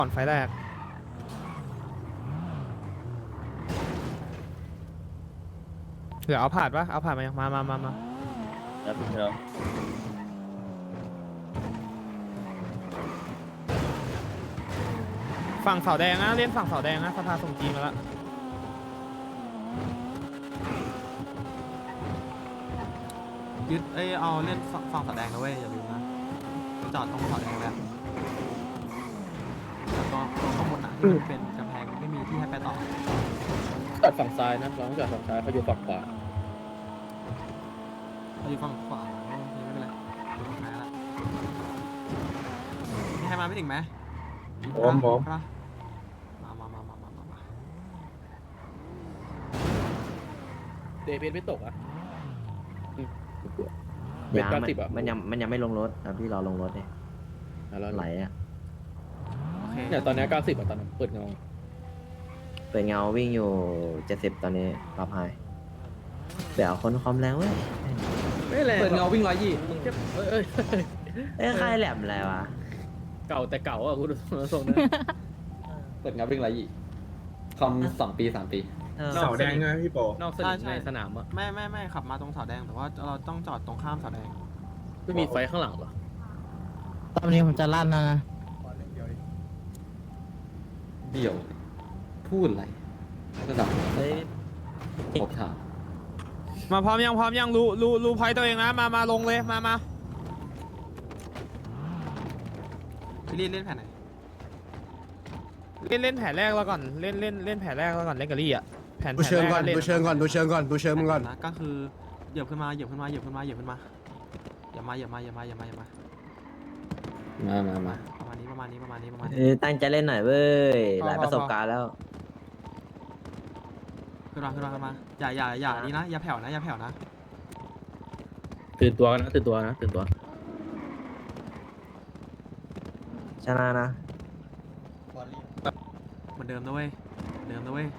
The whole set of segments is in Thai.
ก่อนไฟแรกเหลือเอาผ่านปะเอาผ่านมายังมาแล้วพี่น้องฝั่งเสาแดงนะเล่นฝั่งเสาแดงนะสภาส่งจีนมาแล้วยึดเอาเล่นฝั่งสแดงนะเว้ยอย่าลืมนะจอดตรงสแดงแล้วแล้วก็ข้างบนที่มันเป็นกำแพงไม่มีที่ให้ไปต่อจอดฝั่งซ้ายนะเราต้องจอดฝั่งซ้ายเขาอยู่ฝั่งขวาเราอยู่ฝั่งขวาไม่เป็นไรอยู่ฝั่งซ้ายละมีใครมาไม่ถึงไหมมาเดย์เพชรไม่ตกอ่ะยางมันยังไม่ลงรถพี่รอลงรถเนี่ยไหลอ่ะโอเคเนี่ยตอนนี้90อ่ะตอนนั้นเปิดเงาเปิดเงาวิ่งอยู่70ตอนนี้รับไฮเดี๋ยวคนความแรงเว้ยไม่แรงเปิดเงาวิ่ง120มึงจะใครแหลมอะไรวะเก่าแต่เก่าอ่ะคุณทรงนะเปิดเงาวิ่ง120คอม2 ปี 3 ปีเสาแดงไงพี่โปนอกสนามในสนามอ่ะไม่ขับมาตรงเสาแดงแต่ว่าเราต้องจอดตรงข้ามเสาแดงไม่มีไฟข้างหลังเหรอตอนนี้ผมจะลั่นแล้วนะเดี่ยวพูดอะไรระดับเฮ้ยผมถามมาพร้อมยังรู้พอยตัวเองนะมาลงเลยมาพี่ลีเล่นแผ่นไหนเล่นแผนแรกแล้วก่อนเล่นแผนแรกแล้วก่อนเล่นกะลี่อ่ะแผนดูเชิงก่อนแรล่ดูเชิงก่อนมึงก่อนนะก็คือเหยียบขึ้นมาอย่ามาประมาณนี้ประมาณนี้ตั้งใจเล่นหน่อยเว้ยหลายประสบการณ์แล้วขึ้นมาอย่านี่นะอย่าแผ่วนะตื่นตัวนะชนะนะเหมือนเดิมนะเว้ยนะ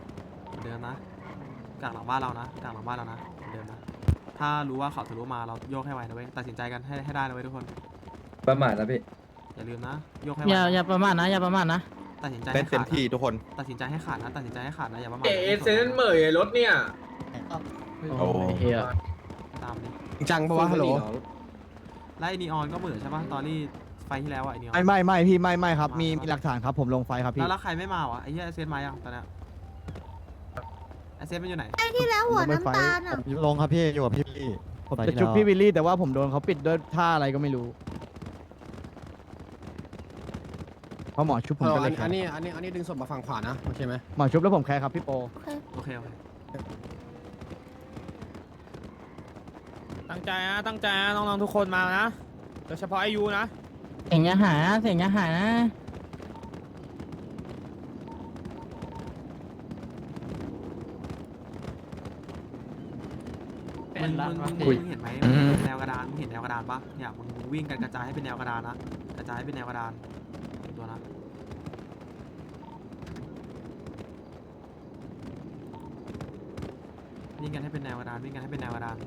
กลางหลังบ้านเรานะเหมือนเดิมนะถ้ารู้ว่าเขาทะลุมาเราโยกให้ไวนะเว้ยตัดสินใจกันให้ได้นะเว้ยทุกคนประมาทนะพี่อย่าลืมนะโยกให้ไวอย่าประมาทนะตัดสินใจเล่นเต็มที่ทุกคนตัดสินใจให้ขาดนะอย่าประมาทเซนเหมยรถเนี่ยโอ้เฮียตามนี้จังปะวะฮัลโหลไล่นีออนก็เหมือนใช่ป่ะตอนที่ไฟที่แล้วอะไอนีออนไม่พี่ไม่ครับมีหลักฐานครับผมลงไฟครับพี่แล้วใครไม่มาวะไอ้เหี้ยเซนมายังตอนนี้ไอเซนมันอยู่ไหนไอ้ที่แล้วหัวน้ำตาลอ่ะลงครับพี่อยู่กับพี่ผมจะชุบพี่วิลลี่แต่ว่าผมโดนเขาปิดด้วยท่าอะไรก็ไม่รู้เพราะหมอชุบผมก็เลยอันนี้ดึงศพมาฝั่งขวานะโอเคไหมหมอชุบแล้วผมแคร์ครับพี่โปโอเคตั้งใจนะน้องๆทุกคนมานะโดยเฉพาะไอยูนะเสียงอย่าหายนะมึงเห็นไหมแนวกระดานมึงเห็นแนวกระดานปะเนี่ยมึงวิ่งกันกระจายให้เป็นแนวกระดานนะกระจายให้เป็นแนวกระดานตัวนะวิ่งกันให้เป็นแนวกระดาน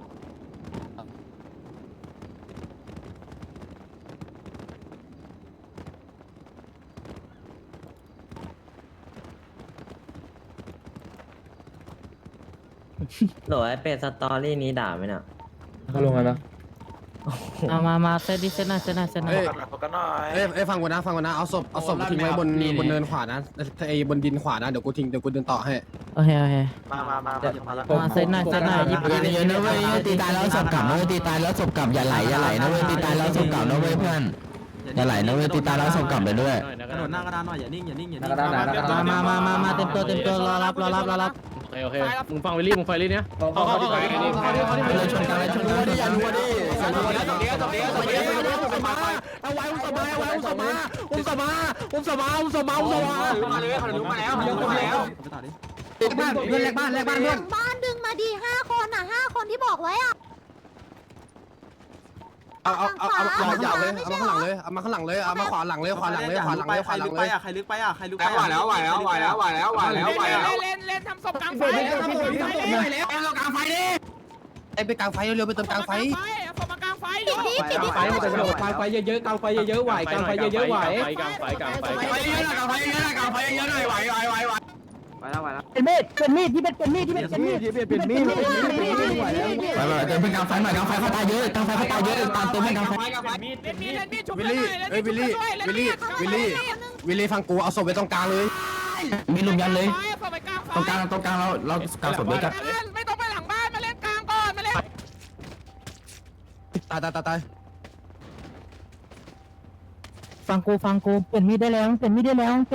โหลไอเป็ดสตอรี่นี้ด่าไหมเนี่ยเขาลงแล้วนะเอามาเซตหน่อยเอ้ยฟังกูนะเอาศพทิ้งไว้บนเนินขวานะไอ้บนดินขวานะเดี๋ยวกูเดินต่อให้โอเคมาเซตหน่อยหยิบเยอะนะเว้ยตีตายแล้วศพกลับนะเว้ยตีตายแล้วศพกลับอย่าไหลนะเว้ยตีตายแล้วศพกลับนะเว้ยเพื่อนอย่าไหลนะเว้ยตีตายแล้วศพกลับไปด้วยกระโดดหน้ากระดานหน่อยอย่านิ่งมาเต็มตัวรอรับโอเคมึงฟังวิลลี่มึงไฟลี่เนี้ยเขาที่ไปนี่เลยชนกันอย่าดูดิเอาไว้อุ้มสมามาเลยเขารู้มาแล้วไปต่อดิแลกบ้านบ้านดึงมาดี5 คนอ่ะ5 คนที่บอกไว้อ่ะเอายาวเลยเอามาข้างหลังเลยเอามาขวาหลังเลยใครลึกไปอ่ะไหวแล้วเล่นทำศพกลางไฟไอ้ไปกลางไฟเร็วไปเติมกลางไฟเอาศพมากลางไฟดิไฟเยอะๆกลางไฟเยอะๆไหวกลางไฟเยอะๆไหวกลางไฟเป็นมีดที่เป็นมีดไปเดินเป็นกลางไฟหน่อยกลางไฟเขาตายเยอะกลางไฟเขาตายเยอะตามตัวเป็นกลางไฟวิลลี่ฟังกูเอาศพไว้ตรงกลางเลยมีลุมยันเลยตรงกลางเรากลางศพด้วยกันไม่ต้องไปหลังบ้านมาเล่นกลางก่อนมาเล่นตายฟังกูเปลี่ยนมีดได้แล้วพี่ไหว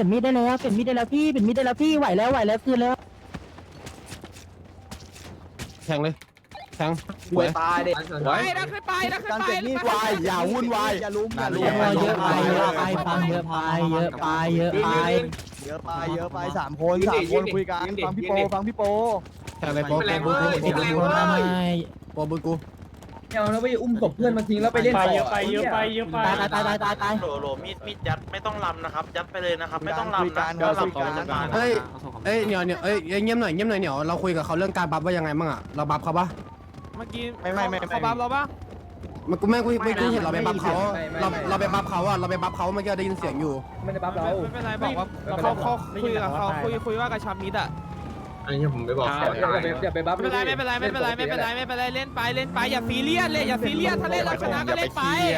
แล้วคืนแล้วแทงเลยแทงป่วยตายเด็กไปดักขึ้นไปอย่าวุ่นวายอย่าลุ้มเยอะไปฟังเยอะไป3 คนคุยกันฟังพี่โปแทงเลยโป๊ะบุญกูเอาแล้วไปอุ้มศพเพื่อนมาทิ้งแล้วไปเล่นต่อตายโหลมีดยัดไม่ต้องลำนะครับยัดไปเลยนะครับไม่ต้องลำนะก็ลำต่อจากการเอ้ยเงียบหน่อยเดี๋ยวเราคุยกับเขาเรื่องการบัฟว่ายังไงบ้างอ่ะเราบัฟเขาปะเมื่อกี้เขาบัฟเราปะมันกูไม่เห็นเราไปบัฟเขาเราไปบัฟเขาอ่ะเราไปบัฟเขาเมื่อกี้ได้ยินเสียงอยู่ไม่ได้บัฟเราไม่เป็นไรบอกว่าเขาคุยกับเขาคุยว่ากระชับมิดอ่ะอันนี้ผมไม่บอกอย่าไปบัฟไม่เป็นไรเล่นไปอย่าซีเรียสเลยอย่าซีเรียสถ้าเล่นเราชนะก็เล่นไป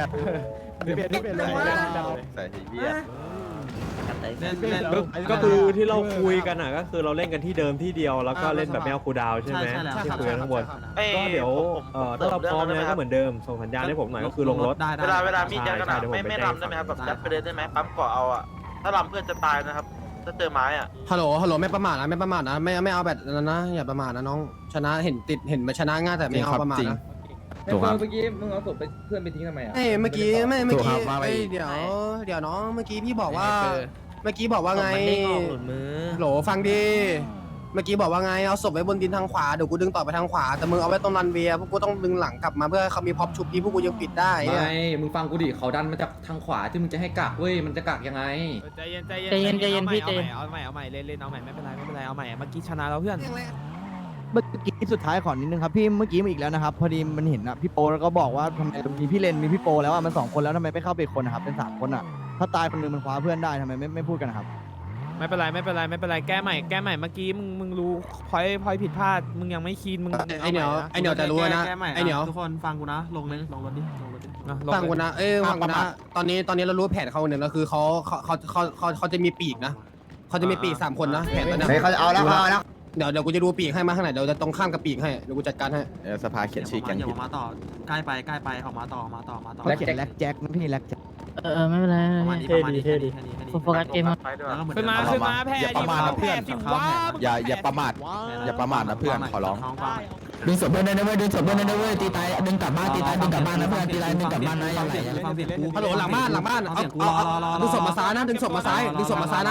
ก็คือที่เราคุยกันอ่ะก็คือเราเล่นกันที่เดิมที่เดียวแล้วก็เล่นแบบไม่เอาคูลดาวน์ใช่ไหมที่คุยกันข้างบนก็เดี๋ยวถ้าเราพร้อมเนี่ยก็เหมือนเดิมส่งสัญญาณให้ผมหน่อยก็คือลงรถเวลามีดยัดกันอ่ะไม่ลำได้ไหมครับแบบยัดไปเลยได้ไหมปั๊มเกาะเอาอ่ะถ้าลำเพื่อนจะตายนะครับถ้าเจอไม้อ่ะฮัลโหลไม่ประมาทนะไม่เอาแบบนั้นนะอย่าประมาทนะน้องชนะเห็นมาชนะง่ายแต่ไม่เอาประมาทนะถูกครับเมื่อกี้มึงเอาศพไปเพื่อนไปทิ้งทำไมอ่ะเมื่อกี้เดี๋ยวน้องเมื่อกี้พี่บอกว่าไงโหลฟังดีเมื่อกี้บอกว่าไงเอาศพไว้บนดินทางขวาเดี๋ยวกูดึงต่อไปทางขวาแต่มึงเอาไว้ตรงรันเวียพวกกูต้องดึงหลังกลับมาเพื่อเขามีพ็อปชุบนี้พวกกูยังปิดได้ไม่มึงฟังกูดิเขาดันมาจากทางขวาที่มึงจะให้กักเว้ยมันจะกักยังไงใจเย็นพี่เอาใหม่เล่นเอาใหม่ไม่เป็นไรเอาใหม่เมื่อกี้ชนะเราเพื่อนเมื่อกี้สุดท้ายขอนิดนึงครับพี่เมื่อกี้มาอีกแล้วนะครับพอดีมันเห็นนะพี่โปแล้วก็บอกว่าทำไมมีพี่เลนมีพี่โปแล้วอ่ะมัน2 คนแล้วทำไมไม่เข้าไปคนนะครับเป็น3 คนอ่ะถ้าตายคนนึงมันคว้าเพื่อนได้ทำไมไม่พูดกันนะครับไม่เป็นไรแก้ใหม่เมื่อกี้มึงรู้พอยผิดพลาดมึงยังไม่คีนมึงไอเหนียวจะรู้นะไอเหนียวทุกคนฟังกูนะลงรถดิฟังกูนะฟังกูนะตอนนี้เรารู้แผนเขาเนี่ยแล้วคือเขาจะมีปีกนะเขาจะมีปีก3 คนนะแผนตอนนี้เขาจะเอาแล้วเดี๋ยวกูจะดูปีกให้มาข้างไหนเดี๋ยวจะตรงข้ามกับปีกให้เดี๋ยวกูจัดการให้สภาเขียนชื่อแกงอย่ามาต่อใกล้ไปออกมาต่อแล็กแจ็คนะพี่แล็กแจ็คไม่เป็นไรประมาณนี้แค่นี้โฟกัสเกมขึ้นมาแพ้สิว้าอย่าประมาทนะเพื่อนขอร้องดึงศพเพื่อนได้เว้ยดึงศพเพื่อนได้เว้ยตีตายดึงกลับบ้านนะเพื่อนตีตายดึงกลับบ้านนะอย่าไหลฮัลโหลหลังบ้านเอาดึงศพมาซ้ายนะดึงศพมาซ้ายนะ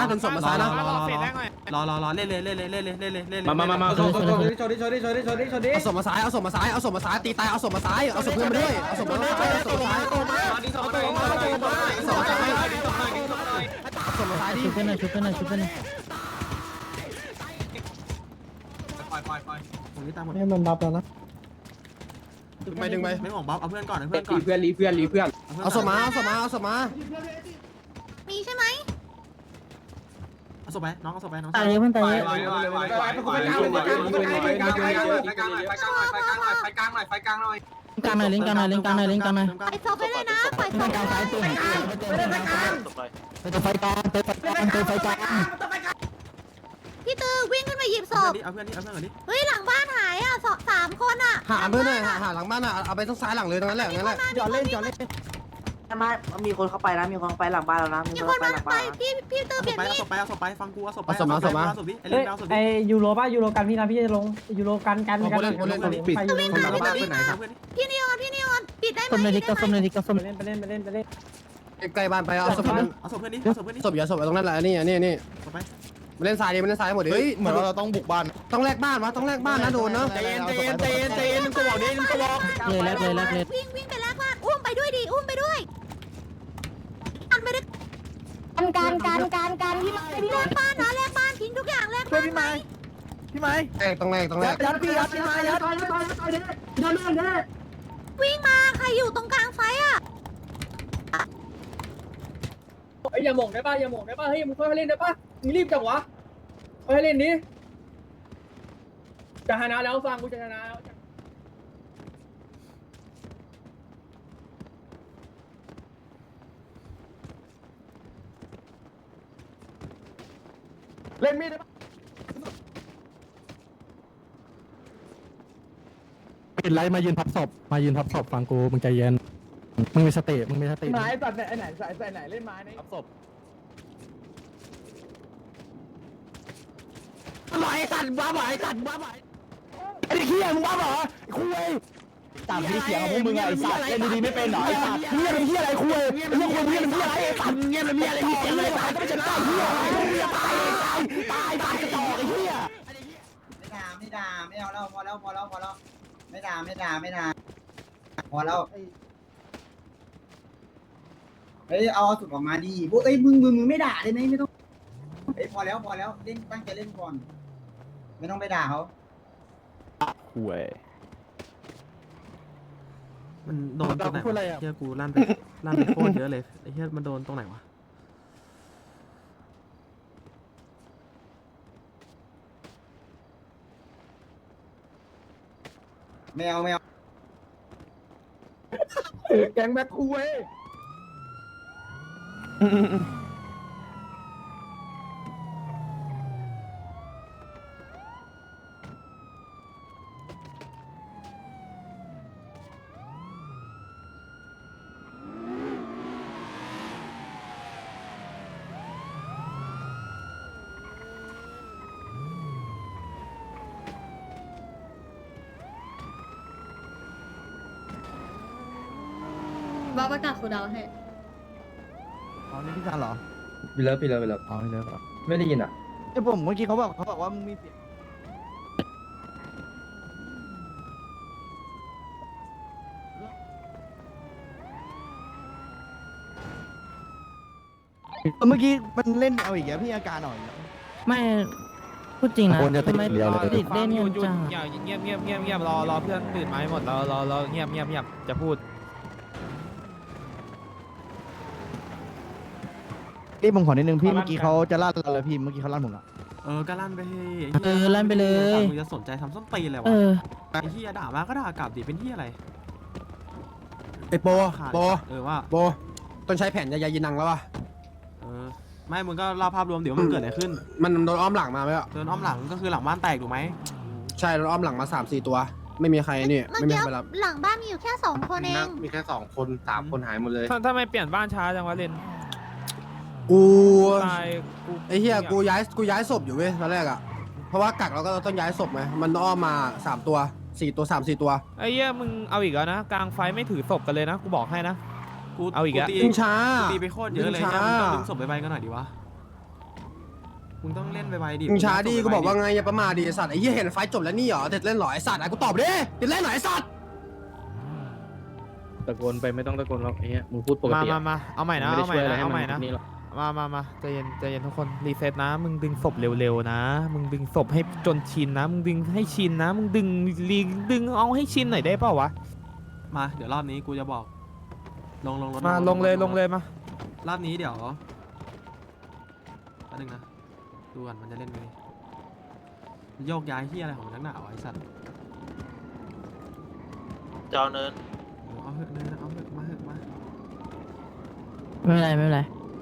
รอเล่นมาโชดิเอาศพมาซ้ายตีตายเอาศพมาซ้ายเอาศพเพื่อนมาด้วยเอาศพเพื่อนมาซ้ายเอาศพมาซ้ายดิชุบเพื่อนหน่อยผมนี่ตามหมดให้มันบัฟแล้วนะดึงไปไม่ของบัฟเอาเพื่อนก่อนรีเพื่อนเอาศพมามีใช่ไหมเอาศพไปน้องเอาศพไปน้องตายเยอะเพื่อนตายเยอะกลางหน่อยลิงกลางหน่อย ไปซบไปเลยนะไปซบกลางซ้ายตื่นไปไฟกลางไปไฟกลางพี่ตือวิ่งขึ้นมาหยิบศพเอาเพื่อนก่อนดิเฮ้ยหลังบ้านหายอ่ะ3 คนอ่ะหาเพื่อนหน่อยหาหลังบ้านเอาไปทางซ้ายหลังเลยตรงนั้นแหละนั่นแหละจอดเล่นมีคนเข้าไปนะมีคนเข้าไปหลังบ้านแล้วนะมีคนมาไปพี่ตือเปลี่ยนมีดเอาศพไปฟังกูเอาศพไปยูโรกันพี่นะพี่จะลงยูโรกันปิดพี่นิออนปิดได้ไหมส้มเลยดิก็ส้มเล่นใกล้บ้านไปเอาศพเอาศพเพื่อนดิเอาศพเพื่อนดิศพอย่าศพตรงนั้นแหละนี่มาเล่นซ้ายมาเล่นซ้ายหมดดิเฮ้ยเหมือนเราต้องบุกบ้านต้องแลกบ้านวะต้องแลกบ้านนะโดนนะใจเย็นมึงก็บอกดิมึงก็บอกเลยวิ่งไปแลกบ้านอุ้มไปด้วยอันไปด้วยการพี่ไม้แลกบ้านนะแลกบ้านทิ้งทุกอย่างแลกบ้านพี่ไม้ต้องแลกยัดพี่ไม้ยัดวิ่งมาใครอยู่ตรงกลางไฟอ่ะอย่าหม่งได้ป่ะอย่าหม่งได้ป่ะเฮ้ยมึงค่อยเล่นได้ป่ะมึงรีบจังวะค่อยเล่นนี้จะชนะแล้วฟังกูจะชนะแล้วเล่นมีดได้ป่ะปิดไลท์มายืนพับศพฟังกูมึงใจเย็นมึงมีสติไม้ตัดไหนไหนใส่ไหนเล่นไม้นี่พับศพไหวสัตว์บ้าไหวสัตว์บ้าไหวไอ้เหี้ยมึงบ้าเหรอคุยตามที่เสียงของพวกมึงไอ้สัตว์เล่นดีๆไม่เป็นหรอไอ้สัตว์เงียบเป็นเหี้ยอะไรคุยเรื่องคุยเงียบเป็นเหี้ยอะไรไอ้สัตว์เงียบเป็นเหี้ยอะไรเสียงอะไรตายก็ไม่ชนะเหี้ยตายกระจอกไอ้เหี้ยไม่ด่าไม่เอาแล้วพอแล้วไม่ด่าพอแล้วเฮ้ยเอาสุดออกมาดีพวกเอ้ยมึงไม่ด่าได้ไหมไม่ต้องเฮ้ยพอแล้วเล่นตั้งใจเล่นก่อนไม่ต้องไปด่าเขาห่วยมันโดนตรงไหนเฮียกูลั่นไปโคตรเยอะเลยไอ้เฮียมันโดนตรงไหนวะไม่เอาแกงแบ็คคูเว้ยบ้าประกาศคูดาวให้อ๋อนี่พี่ชานเหรอไปเลิฟอ๋อไม่เลยเหรอไม่ได้ยินอ่ะไอ้ผมเมื่อกี้เขาบอกว่ามึงมีเสียงเมื่อกี้มันเล่นเอาอีกแล้วพี่อาการหน่อยไม่พูดจริงนะทำไมติดเล่นหยุกันดจังอย่าเงียบรอเพื่อนตื่นมาให้หมดรอเงียบจะพูดพี่ผมขอนิดนึงพี่เมื่อกี้เขาจะลั่นเราเลยพี่เมื่อกี้เขาลั่นผมละก็ลั่นไปลั่นไปเลยมึงจะสนใจทำส้นตีนอะไรวะไอ้เฮียด่ามาก็ด่ากลับดิเป็นเฮียอะไรไอ้โปว่าโปต้นใช้แผ่นยายินังแล้ววะไม่มึงก็เล่าภาพรวมเดี๋ยวมันเกิดอะไรขึ้นมันโดนอ้อมหลังมาไหมอ่ะเดินอ้อมหลังก็คือหลังบ้านแตกถูกไหมใช่โดนอ้อมหลังมา3-4 ตัว ไม่มีใครนี่เมื่อไม่มีกี้ใครไปรับหลังบ้านมีอยู่แค่2 คนเองมีแค่2 คน3 คนหายหมดเลยทำไมเปลี่ยนบ้านช้าจังวะเลนกูตายกูไอ้เหี้ยกูย้ายศพอยู่เว้ยตอนแรกอ่ะเพราะว่ากักเราก็ต้องย้ายศพไงมันอ้อมมา3 ตัว4 ตัว 3-4 ตัวไอ้เหี้ยมึงเอาอีกแล้วนะกลางไฟไม่ถือศพกันเลยนะกูบอกให้นะ เอาอีกแล้วดึงช้าตีไปโคตรเยอะเลยดึงช้ามึงต้องดึงศพไปกันหน่อยดิวะมึงต้องเล่นไปดิมึงช้าดิกูบอกว่าไงอย่าประมาทดิไอ้สัตว์ไอ้เหี้ยเห็นไฟจบแล้วนี่เหรอเด็ดเล่นหรอไอ้สัตว์ไอ้กูตอบดิเด็ดเล่นหรอไอ้สัตว์ตะโกนไปไม่ต้องตะโกนหรอกไอ้เหี้ยมึงพูดปกติมาเอาใหม่นะไม่ได้เอาใหม่ช่วยอะไรนะให้เอามันใหม่นะนี่หรอกมาใจเย็นทุกคนรีเซ็ตนะมึงดึงศพเร็วๆนะมึงดึงศพให้จนชินนะมึงดึงให้ชินนะมึงดึงเอาให้ชินหน่อยได้เปล่าวะมาเดี๋ยวรอบนี้กูจะบอกลงรถมาลงเลยมารอบนี้เดี๋ยวอันนึงนะดูก่อนมันจะเล่นไงโยกย้ายที่อะไรของนักหนาวะไอ้สัตว์เจ้าเนินเอาเหอะเลยนะเอาเหอะมาเหอะมาไม่เป็นไร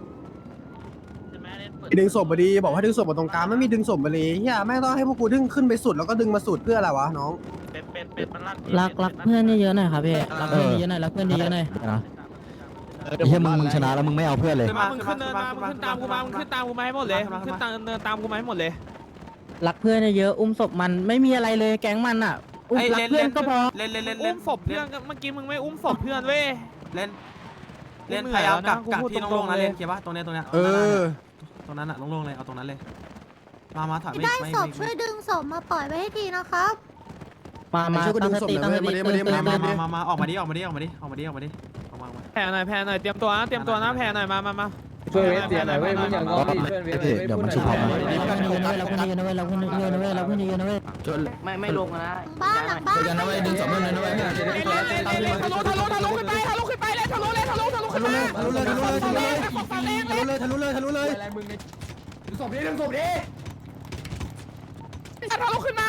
ดึงศพมาดีบอกว่าดึงศพมาตรงกลางไม่มีดึงศพมาเลยเฮียแม่งต้องให้พวกกูดึงขึ้นไปสุดแล้วก็ดึงมาสุดเพื่ออะไรวะน้องเป็นมันลั่นรักเพื่อนเยอะหน่อยครับพี่รักเพื่อนเยอะหน่อยรักเพื่อนเยอะหน่อยไอ้เหี้ยมึงชนะแล้วมึงไม่เอาเพื่อนเลยมึงขึ้นเนินมามึงขึ้นตามกูมามึงขึ้นตามกูมาให้หมดเลยมึงขึ้นเนินตามกูมาให้หมดเลยรักเพื่อนเยอะอุ้มศพมันไม่มีอะไรเลยแก๊งมันอ่ะอุ้มรักเพื่อนก็พอเล่นอุ้มศพเพื่อนเมื่อกี้มึงไม่อุ้มศพเพื่อนเว้ยเล่นพยายามกักที่โล่งๆนะเล่นเขียนป่ะตรงเนี้ย ตรงนั้นอะโล่งๆเลยเอาตรงนั้นเลยมาถอยได้ศพช่วยดึงศพมาปล่อยไว้ให้ทีนะครับมาตั้งสติมาออกมาดิออกมาแผ่หน่อยเตรียมตัวนะแผ่หน่อยมาช่วยเวสเสียหน่อยเว้ยมึงอย่างงอดิช่วยเวสเดี๋ยวมันชุบเขามาเราคนนี้กันนะเว้ยเราคนนี้กันนะเว้ยเราคนนี้กันนะเว้ยไม่ลงนะบ้านหลังบ้านกันนะเว้ยดึงสองมือเลยนะเว้ยทะลุขึ้นไปเลยทะลุเลยทะลุเลยทะลุเลยทะลุเลยทะลุเลยทะลุเลยทะลุเลยทะลุเลยดึงศพดิดึงศพดิทะลุขึ้นมา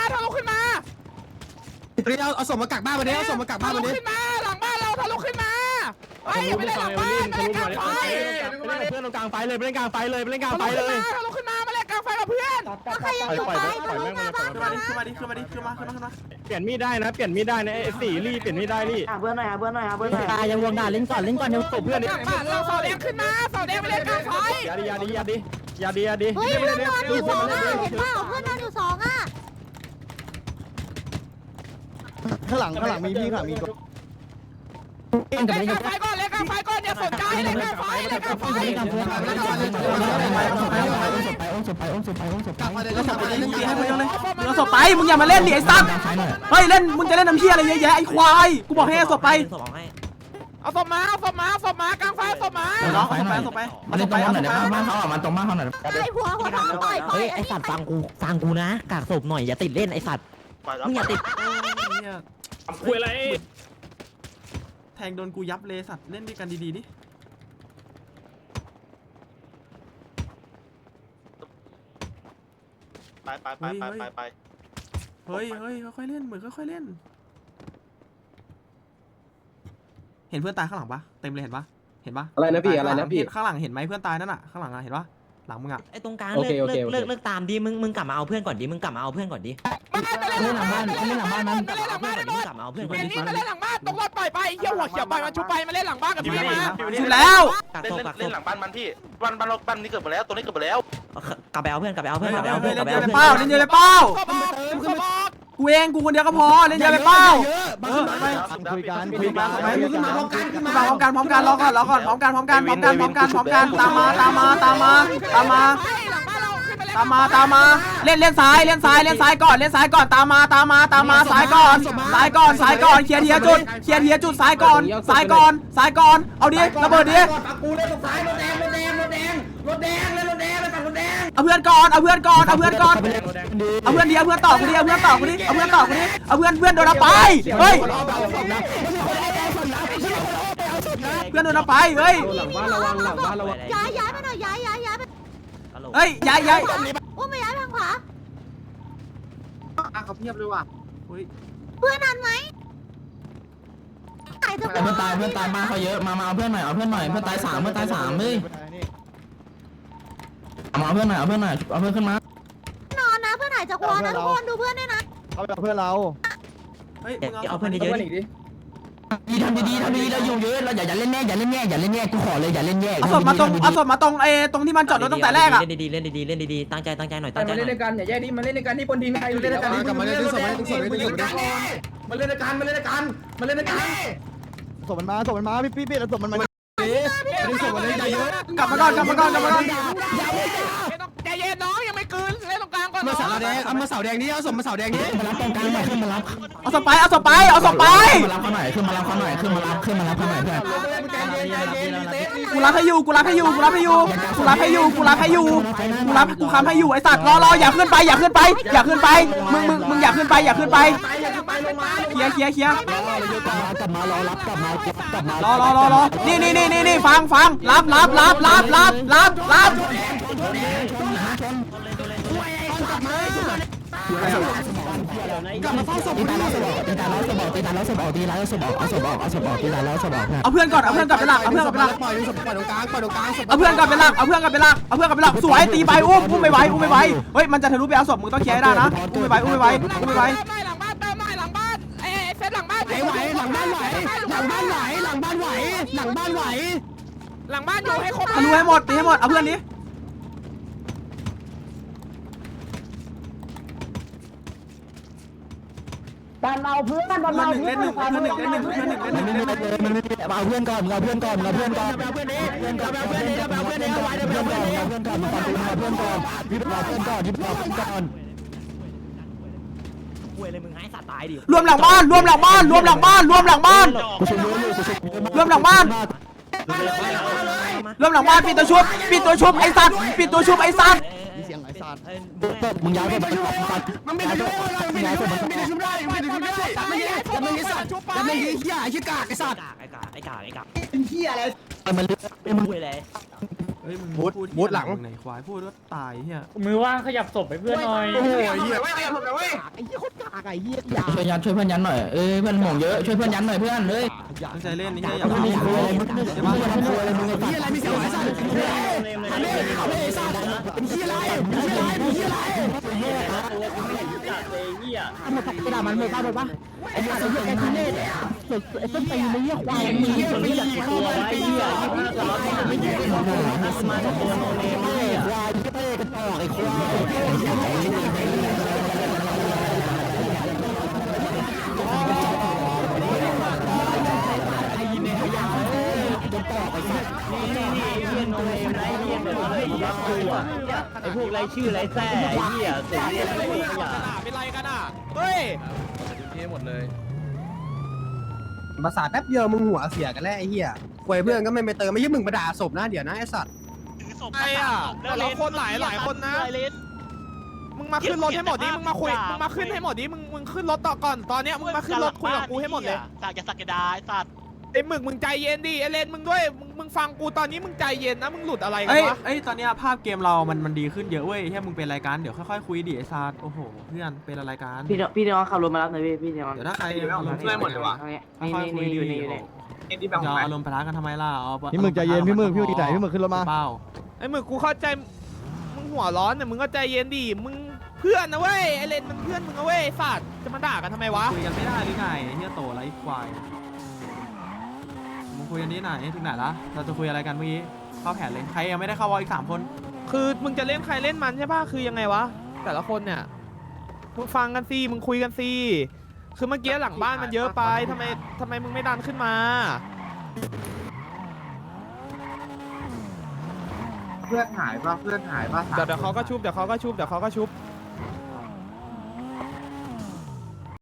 เดี๋ยวเอาศพมากักบ้านมาดิเอาศพมากักบ้านมาดิหลังบ้านเราทะลุขึ้นมาเฮ้ยไม่ได้หลังบ้านไม่ได้กลางไฟเพื่อนตรงกลางไฟเลยไปเล่นกลางไฟเลยไปเล่นกลางไฟเลยทะลุขึ้นมาเล่นกลางไฟกับเพื่อนใครยังอยู่ไปทะลุมาบ้านขึ้นมาดิขึ้นมาดิขึ้นมาดิขึ้นมาขึ้นมาเปลี่ยนมีดได้นะเปลี่ยนมีดได้นะไอ้สี่รี่เปลี่ยนมีดได้รี่เพื่อนหน่อยเพื่อนหน่อยเพื่อนหน่อยตายยังวงด่าเล่นก่อนเพื่อนเพื่อนนี่บ้านเราเสาแดงขึ้นมาเสาแดงไปเล่นกลางไฟอย่าดีเฮ้ยเพื่อนนอนอยู่2อ่ะเห็นเปล่าเพื่อนนอนอยู่2อ่ะข้างหลังมีพี่ข้างหลังมีเล่นกลางไฟก่อนอย่าสนใจเล่นกลางไฟกักมาเลยแล้วศพไปดิเอาศพไปมึงอย่ามาเล่นดิไอ้สัตว์เฮ้ยเล่นมึงจะเล่นน้ำเชี่ยอะไรเยอะแยะไอ้ควายกูบอกให้เอาศพไปเอาศพมากลางไฟศพมาน้องเอาศพไปมาเล่นตรงบ้านหน่อยบ้านเขาอ่ะมาตรงบ้านเขาหน่อยไอ้หัวทองต่อยเฮ้ยไอสัตว์ฟังกูนะกากศพหน่อยอย่าติดเล่นไอสัตว์มึงอย่าติดคุยอะไรแทงโดนกูยับเลยสัตว์เล่นด้วยกันดีๆดิไปเฮ้ยค่อยๆเล่นเหมือนค่อยๆเล่น เห็นเพื่อนตายข้างหลังปะเต็มเลยเห็นปะอะไรนะพี่ข้างหลังเห็นไหมเพื่อนตายนั่นน่ะข้างหลังเห็นปะหลังมึงอ่ะไอตรงกลางเลิกตามดิมึงกลับมาเอาเพื่อนก่อนดิมึงกลับมาเอาเพื่อนก่อนดิเล่นหลังบ้านมันมึงกลับมาเอาเพื่อนก่อนดินี่มาเล่นหลังบ้านตรงรถปล่อยไปเหี้ยหัวเขียวปล่อยมันชุบไปมาเล่นหลังบ้านกับพี่มาชุบแล้วเล่นหลังบ้านมันพี่บ้านนี้เกิดหมดแล้วตัวนี้เกิดหมดแล้วกลับไปเอาเพื่อนเล่นเยอะเลยเป้ากูเองกูคนเดียวก็พอเล่นเยอะเลยเป้าคุยกันไปมึงขึ้นมาพร้อมกันขึ้นมาพร้อมกันรอก่อนพร้อมกันตามมาเล่นซ้ายก่อนตามมาซ้ายก่อนเคลียร์จุดซ้ายก่อนเอาดิระเบิดดิกูเล่นตรงซ้ายรถแดงเอาเพื่อนก่อนเอาเพื่อนต่อกูดิเอาเพื่อนโดนเอาไปเฮ้ยเพื่อนโดนเอาไปเฮ้ยหลังบ้านระวังหลังบ้านระวังย้ายไปหน่อยย้ายเฮ้ยย้ายอุ้มไปย้ายทางขวาเขาเพียบเลยว่ะเพื่อนทันไหมตายเถอะเพื่อนตายบ้านเขาเยอะมาเอาเพื่อนหน่อยเพื่อนตาย3เฮ้ยมาเอาเพื่อนหน่อยเอาเพื่อนขึ้นมานอนนะเพื่อนหายจากวอนะทุกคนดูเพื่อนด้วยนะเขาเป็นเพื่อนเราเฮ้ยเอาเพื่อนเยอะดิทำดีเราอยู่เยอะเราอย่าเล่นแย่กูขอเลยอย่าเล่นแย่เอาศพมาตรงตรงที่มันจอดรถตั้งแต่แรกอ่ะเล่นดีตั้งใจหน่อยตั้งใจมาเล่นด้วยกันอย่าแยกดิมาเล่นด้วยกันที่บนดินใครเล่นด้วยกันกลับมาเล่นดึงศพดึงศพดึงศพมาเล่นด้วยกันศพมันมาพี่แล้วศพมันมาดึงศพมาเล่นเยอะกลับมาก่อนใจเย็นน้องยังไม่คืนเล่นตรงกลางก่อนมาเสาแดงเอามาเสาแดงนี้เอาศพมาเสาแดงนี้มารับตรงกลางหน่อยขึ้นมารับเอาศพไปมารับเขาหน่อยเพื่อนกูรับให้อยู่กูค้ำให้อยู่ไอ้สัตว์รออย่าขึ้นไปมึงอย่าขึ้นไปเคลียร์กลับมารอรับกลับมารอนี่ฟังรับกลับมาเฝ้าศพตีตายแล้วศพออกเอาเพื่อนก่อนเป็นหลักปล่อยตรงกลางเอาเพื่อนก่อนเป็นหลักสวยตีไปอุ้มไม่ไหวเฮ้ยมันจะทะลุไปเอาศพมึงต้องเคลียร์ให้ได้นะอุ้มไม่ไหวหลังบ้านเติมหน่อยหลังบ้านเซฟหลังบ้านไหวหลังบ้านไหวอยู่ให้ครบทะลุให้หมดตีให้หมดเอาเพื่อนนี้เอาเพื่อนก่อนเอาเพื่อนก่อนรวมหลังบ้านกูช่วยอยู่รวมหลังบ้านเริ่มหลังบ้านปิดตัวชุบไอ้สัตว์ปิดตัวชุบไอ้สัตว์มีเสียงไอ้สัตว์มึงย้ายไปชุบมันไม่ได้ชุบไม่ได้ชุบไม่ได้ชุบได้ไม่ได้ชุบได้ไม่ได้ชุบไม่ได้สัตว์แล้วไม่ได้เหี้ยไอ้กากไอ้สัตว์ไอ้กากเป็นเหี้ยอะไรมันลึกมึงเลยเฮ้ยมึงบูทหลังไหนควายพูดว่าตายเฮียมือว่างขยับศพให้เพื่อนหน่อยโอ้ยเหี้ยไอ้เหี้ยโคตรกากไอ้เหี้ยยาช่วยเพื่อนยันหน่อยเอ้ยเพื่อนห่วงเยอะช่วยเพื่อนยันหน่อยเพื่อนเอ้ยตั้งใจเล่นนี่เฮียอย่าไม่ทำคุยอะไรมึงใช่ปะไม่คุยอะไรมึงเหี้ยอะไรมีเสียงไอ้สัตว์ไอ้สัตว์เป็นเหี้ยอะไรเป็นเหี้ยอะไรเป็นเหี้ยอะไรหมดกระดาษมันหมดป้าหมดปะไอ้เหี้ยไอ้ทุเรศไอ้ต้นตีนไอ้เหี้ยควายไอ้เหี้ยไม่อยากเข้ามาไอ้เหี้ยไม่ได้ควายที่เป้กันออกไอ้ควายไอ้พวกไรชื่อไรแซ่ไอ้เหี้ยเสียเรียนไม่มีขยะเป็นไรกันอ่ะเฮ้ยภาษาแป๊บเดียวมึงหัวเสียกันแล้วไอ้เหี้ยควยเพื่อนก็ไม่ไปเติมไม่ใช่มึงประด่าศพนะเดี๋ยวนะไอ้สัตว์ไอ้อ่ะแต่ละคนหลายคนนะ มึงมาขึ้นรถให้หมดดิมึงมาคุยมึงมาขึ้นให้หมดดิมึงขึ้นรถต่อก่อนตอนเนี้ยมึงมาขึ้นรถคุยกับกูให้หมดเลยสักอย่าสักกระดาไอ้สัตว์ไอ้หมึกมึงใจเย็นดิไอเลนมึงด้วยมึงฟังกูตอนนี้มึงใจเย็นนะมึงหลุดอะไรกันเอ้ยวะตอนเนี้ยภาพเกมเรามันดีขึ้นเยอะเว้ยเฮียมึงเป็นรายการเดี๋ยวค่อยๆคุยดิไอ้ซาร์โอ้โหเพื่อนเป็นอะไรกันพี่น้องขับรถมารับหน่อยพี่น้องเดี๋ยวถ้าใครอารมณ์ช่วยหมดเลยวะค่อยๆคุยดีอย่าอารมณ์ปะทะกันทำไมล่ะเอาพี่หมึกใจเย็นพี่หมึกใจพี่หมึกขึ้นรถมาเป้าไอ้หมึกกูเข้าใจมึงหัวร้อนแต่มึงก็ใจเย็นดิมึงเพื่อนนะเว้ยไอเลนมันเพื่อนมึงนะเว้ยไอ้สัตว์จะมาด่ากันทำไมวะคุยกันไม่ได้หรือไงเฮียโตไรควายมึงคุยกันนี้ไหนถึงไหนละเราจะคุยอะไรกันเมื่อกี้เข้าแผนเลยใครยังไม่ได้เข้าวอลอีก3 คนคือมึงจะเล่นใครเล่นมันใช่ป่ะคือยังไงวะแต่ละคนเนี่ยมึงฟังกันสิมึงคุยกันสิคือเมื่อกี้หลังบ้านมันเยอะไปทำไมมึงไม่ดันขึ้นมาเพื่อนหายป่ะเดี๋ยวเขาก็ชุบ